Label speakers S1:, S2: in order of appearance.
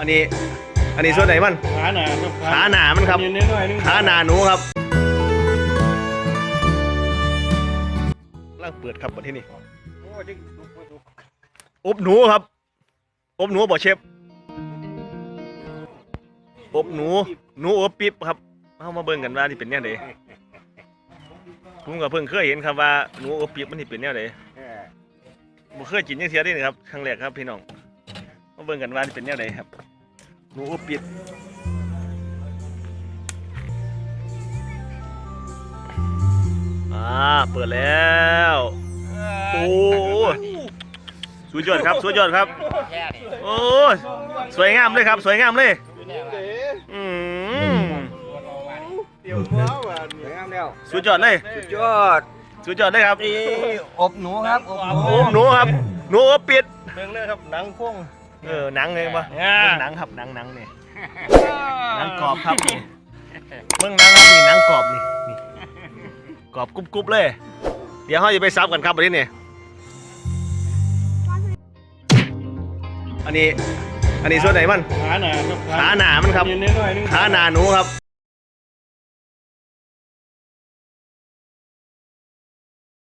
S1: อันนี้ส่วนไหนมัน
S2: ขาหนาครับ
S1: ขาหนามันครับขาหนาหนูครับล่างเปิดครับประเทศนี้อบหนูครับอบหนูบ่เชฟอบหนูอบปิ๊บครับเข้ามาเบิ่งกันว่าที่เป็นแนวใดผมก็เพิ่งเคยเห็นครับว่าหนูอบปิ๊บมันที่เป็นแนวใดบ่เคยกินจังเสียได้ครับครั้งแรกครับพี่น้องมาเบิ่งกันว่าที่เป็นแนวใดครับหนูอบปิ๊บเปิดแล้วโอ้สุดยอดครับสุดยอดครับโอ้สวยงามเลยครับสวยงามเลยสุดยอดเลยสุดยอดเลยครับ
S3: อบหนูครับ
S1: อบหนูครับหนูอบปิด
S2: เบิ่งเลยครับหนังพ่วง
S1: หนังเลยปะหนังครับหนังนี่หนังกรอบครับนี่เบิ่งหนังครับนี่หนังกรอบนี่กรอบกรุบเลยเดี๋ยวเขาจะไปซับกันครับวันนี้เนี่ยอันนี้ส่วนไหนมัน
S2: ขาหนาครับ
S1: ขาหนามันครับขาหนาหนูครับ